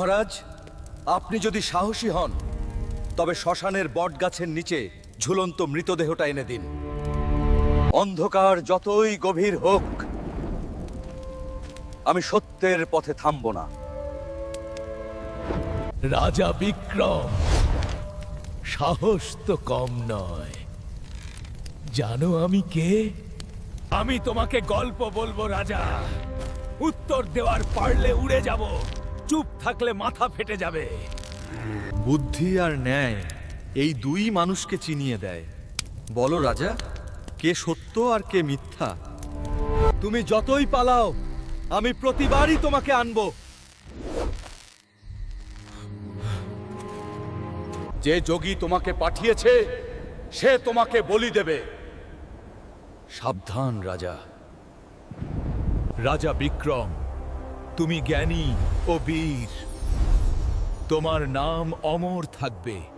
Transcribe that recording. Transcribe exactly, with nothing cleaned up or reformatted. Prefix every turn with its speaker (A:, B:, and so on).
A: মহারাজ, আপনি যদি সাহসী হন তবে শ্মশানের বটগাছের নিচে ঝুলন্ত মৃতদেহটা এনে দিন। অন্ধকার যতই গভীর হোক, আমি সত্যের পথে থামব না।
B: রাজা বিক্রম, সাহস তো কম নয়। জানো আমি কে? আমি তোমাকে গল্প বলবো রাজা। উত্তর দেওয়ার পারলে উড়ে যাব, চুপ থাকলে মাথা ফেটে যাবে।
A: বুদ্ধি আর ন্যায় এই দুই মানুষকে চিনিয়ে দেয়। বলো রাজা, কে সত্য আর কে মিথ্যা? তুমি যতই পালাও, আমি প্রতিবারই তোমাকে আনবো। যে যোগী তোমাকে পাঠিয়েছে সে তোমাকে বলি দেবে। সাবধান রাজা।
B: রাজা বিক্রম, তুমি জ্ঞানী ও বীর। তোমার নাম অমর থাকবে।